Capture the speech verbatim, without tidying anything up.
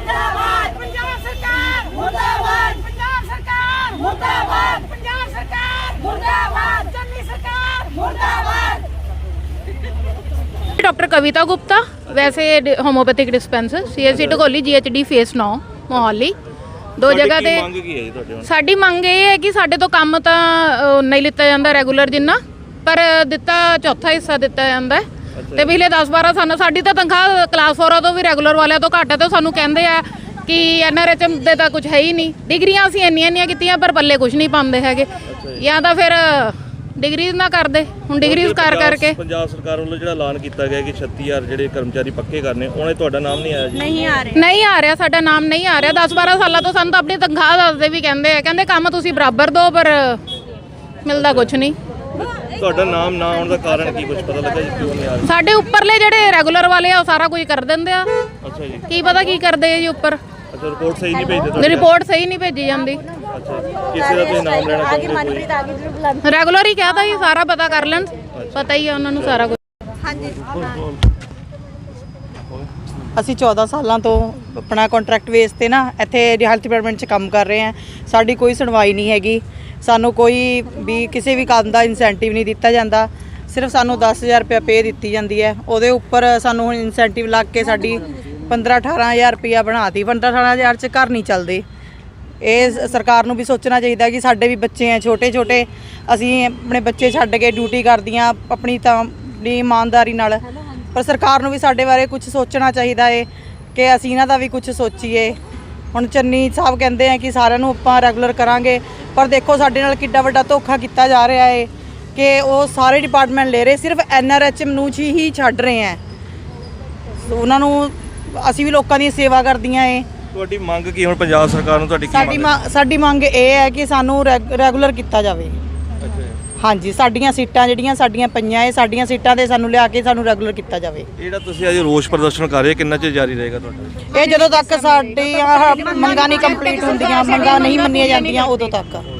ਮੁਰਦਾਬਾਦ ਪੰਜਾਬ ਸਰਕਾਰ ਮੁਰਦਾਬਾਦ ਪੰਜਾਬ ਸਰਕਾਰ ਮੁਰਦਾਬਾਦ ਪੰਜਾਬ ਸਰਕਾਰ ਮੁਰਦਾਬਾਦ ਚੰਨੀ ਸਰਕਾਰ ਮੁਰਦਾਬਾਦ। डॉक्टर कविता गुप्ता, वैसे homeopathic dispenser C S C Dhakoli G H D phase नौ मोहाली दो जगह ਤੇ ਸਾਡੀ ਮੰਗ ਇਹ ਹੈ ਕਿ ਸਾਡੇ ਤੋਂ ਕੰਮ ਤਾਂ ਨਹੀਂ ਲਿੱਤਾ ਜਾਂਦਾ ਰੈਗੂਲਰ ਜਿੰਨਾ, ਪਰ ਦਿੱਤਾ ਚੌਥਾ ਹਿੱਸਾ ਦਿੱਤਾ ਜਾਂਦਾ ਤੇ ਪਿਛਲੇ ਦਸ ਬਾਰਾਂ ਸਾਨੂੰ ਸਾਡੀ ਤਾਂ ਤਨਖਾਹ ਕਲਾਸ ਫੋਰਾਂ ਤੋਂ ਵੀ ਰੈਗੂਲਰ ਵਾਲਿਆਂ ਤੋਂ ਘੱਟ ਹੈ ਤੇ ਸਾਨੂੰ ਕਹਿੰਦੇ ਆ ਕਿ ਐਨ ਆਰ ਐਚ ਐਮ ਦੇ ਤਾਂ ਕੁਝ ਹੈ ਹੀ ਨਹੀਂ। ਡਿਗਰੀਆਂ ਅਸੀਂ ਇੰਨੀਆਂ ਇੰਨੀਆਂ ਕੀਤੀਆਂ ਪਰ ਪੱਲੇ ਕੁਝ ਨਹੀਂ ਪਾਉਂਦੇ ਹੈਗੇ, ਜਾਂ ਤਾਂ ਫਿਰ ਡਿਗਰੀਜ਼ ਨਾ ਕਰਦੇ। ਹੁਣ ਡਿਗਰੀਜ਼ ਕਰ ਕਰਕੇ ਪੰਜਾਬ ਸਰਕਾਰ ਵੱਲੋਂ ਜਿਹੜਾ ਐਲਾਨ ਕੀਤਾ ਗਿਆ ਕਿ ਛੱਤੀ ਹਜ਼ਾਰ ਜਿਹੜੇ ਕਰਮਚਾਰੀ ਪੱਕੇ ਕਰਨੇ, ਉਹਨੇ ਤੁਹਾਡਾ ਨਾਮ ਨਹੀਂ ਆਇਆ ਜੀ? ਨਹੀਂ ਆ ਰਿਹਾ ਨਹੀਂ ਆ ਰਿਹਾ ਸਾਡਾ ਨਾਮ ਨਹੀਂ ਆ ਰਿਹਾ। ਦਸ ਬਾਰਾਂ ਸਾਲਾਂ ਤੋਂ ਸਾਨੂੰ ਤਾਂ ਆਪਣੀ ਤਨਖਾਹ ਦੱਸਦੇ ਵੀ ਕਹਿੰਦੇ ਆ, ਕਹਿੰਦੇ ਕੰਮ ਤੁਸੀਂ ਬਰਾਬਰ ਦਿਓ ਪਰ ਮਿਲਦਾ ਕੁਝ ਨਹੀਂ। ਤੁਹਾਡਾ ਨਾਮ ਨਾ ਆਉਣ ਦਾ ਕਾਰਨ ਕੀ, ਕੁਝ ਪਤਾ ਲੱਗਾ ਜੀ ਕਿਉਂ ਨਹੀਂ ਆ ਰਿਹਾ? ਸਾਡੇ ਉੱਪਰਲੇ ਜਿਹੜੇ ਰੈਗੂਲਰ ਵਾਲੇ ਆ ਉਹ ਸਾਰਾ ਕੁਝ ਕਰ ਦਿੰਦੇ ਆ। ਅੱਛਾ ਜੀ, ਕੀ ਪਤਾ ਕੀ ਕਰਦੇ ਆ ਜੀ ਉੱਪਰ। ਅੱਛਾ, ਰਿਪੋਰਟ ਸਹੀ ਨਹੀਂ ਭੇਜਦੇ ਤੁਹਾਡੀ? ਰਿਪੋਰਟ ਸਹੀ ਨਹੀਂ ਭੇਜੀ ਜਾਂਦੀ। ਅੱਛਾ, ਕਿਸੇ ਦਾ ਤੁਸੀਂ ਨਾਮ ਲੈਣਾ ਚਾਹੁੰਦੇ? ਰੈਗੂਲਰ ਹੀ ਕਹਤਾ ਜੀ, ਸਾਰਾ ਪਤਾ ਕਰ ਲੈਣ, ਪਤਾ ਹੀ ਆ ਉਹਨਾਂ ਨੂੰ ਸਾਰਾ ਕੁਝ। ਹਾਂਜੀ ਅਸੀਂ ਚੌਦਾਂ ਸਾਲਾਂ ਤੋਂ ਆਪਣਾ ਕੰਟਰੈਕਟ ਬੇਸ ਤੇ ਨਾ ਇੱਥੇ ਹੈਲਥ ਡਿਪਾਰਟਮੈਂਟ 'ਚ ਕੰਮ ਕਰ ਰਹੇ ਹਾਂ। ਸਾਡੀ ਕੋਈ ਸੁਣਵਾਈ ਨਹੀਂ ਹੈਗੀ, ਸਾਨੂੰ ਕੋਈ ਵੀ ਕਿਸੇ ਵੀ ਕੰਮ ਦਾ ਇਨਸੈਂਟਿਵ ਨਹੀਂ ਦਿੱਤਾ ਜਾਂਦਾ। ਸਿਰਫ ਸਾਨੂੰ ਦਸ ਹਜ਼ਾਰ ਰੁਪਇਆ ਪੇ ਦਿੱਤੀ ਜਾਂਦੀ ਹੈ, ਉਹਦੇ ਉੱਪਰ ਸਾਨੂੰ ਹੁਣ ਇਨਸੈਂਟਿਵ ਲੱਗ ਕੇ ਸਾਡੀ ਪੰਦਰਾਂ ਅਠਾਰਾਂ ਹਜ਼ਾਰ ਰੁਪਇਆ ਬਣਾਤੀ। ਪੰਦਰਾਂ ਅਠਾਰਾਂ ਹਜ਼ਾਰ 'ਚ ਘਰ ਨਹੀਂ ਚੱਲਦੇ। ਇਹ ਸਰਕਾਰ ਨੂੰ ਵੀ ਸੋਚਣਾ ਚਾਹੀਦਾ ਕਿ ਸਾਡੇ ਵੀ ਬੱਚੇ ਹੈ ਛੋਟੇ ਛੋਟੇ, ਅਸੀਂ ਆਪਣੇ ਬੱਚੇ ਛੱਡ ਕੇ ਡਿਊਟੀ ਕਰਦੀਆਂ ਆਪਣੀ ਤਾਂ ਆਪਣੀ ਇਮਾਨਦਾਰੀ ਨਾਲ, ਪਰ ਸਰਕਾਰ ਨੂੰ ਵੀ ਸਾਡੇ ਬਾਰੇ ਕੁਝ ਸੋਚਣਾ ਚਾਹੀਦਾ ਹੈ ਕਿ ਅਸੀਂ ਇਹਨਾਂ ਦਾ ਵੀ ਕੁਝ ਸੋਚੀਏ। ਹੁਣ ਚੰਨੀ ਸਾਹਿਬ ਕਹਿੰਦੇ ਆ ਕਿ ਸਾਰਿਆਂ ਨੂੰ ਆਪਾਂ ਰੈਗੂਲਰ ਕਰਾਂਗੇ, ਪਰ ਦੇਖੋ ਸਾਡੇ ਨਾਲ ਕਿੱਡਾ ਵੱਡਾ ਧੋਖਾ ਕੀਤਾ ਜਾ ਰਿਹਾ ਹੈ ਕਿ ਉਹ ਸਾਰੇ ਡਿਪਾਰਟਮੈਂਟ ਲੈ ਰਹੇ, ਸਿਰਫ ਐਨ ਆਰ ਐਚ ਐਮ ਨੂੰ ਹੀ ਛੱਡ ਰਹੇ ਹੈ। ਉਹਨਾਂ ਨੂੰ ਅਸੀਂ ਵੀ ਲੋਕਾਂ ਦੀ ਸੇਵਾ ਕਰਦੀਆਂ ਏ। ਤੁਹਾਡੀ ਮੰਗ ਕੀ ਹੁਣ ਪੰਜਾਬ ਸਰਕਾਰ ਨੂੰ ਤੁਹਾਡੀ ਕੀ ਸਾਡੀ ਮੰਗ? ਸਾਡੀ ਮੰਗ ਇਹ ਹੈ ਕਿ ਸਾਨੂੰ ਰੈਗੂਲਰ ਕੀਤਾ ਜਾਵੇ। ਹਾਂਜੀ, ਸਾਡੀਆਂ ਸੀਟਾਂ ਜਿਹੜੀਆਂ ਸਾਡੀਆਂ ਪਈਆਂ ਏ, ਸਾਡੀਆਂ ਸੀਟਾਂ ਤੇ ਸਾਨੂੰ ਲਿਆ ਕੇ ਸਾਨੂੰ ਰੈਗੂਲਰ ਕੀਤਾ ਜਾਵੇ। ਜਿਹੜਾ ਤੁਸੀਂ ਅੱਜ ਰੋਸ ਪ੍ਰਦਰਸ਼ਨ ਕਰ ਰਹੇ, ਕਿੰਨਾ ਚਿਰ ਜਾਰੀ ਰਹੇਗਾ ਤੁਹਾਡਾ? ਇਹ ਜਦੋਂ ਤੱਕ ਸਾਡੀਆਂ ਮੰਗਾਂ ਨਹੀਂ ਕੰਪਲੀਟ ਹੁੰਦੀਆਂ, ਮੰਗਾਂ ਨਹੀਂ ਮੰਨੀਆਂ ਜਾਂਦੀਆਂ, ਉਦੋਂ ਤੱਕ।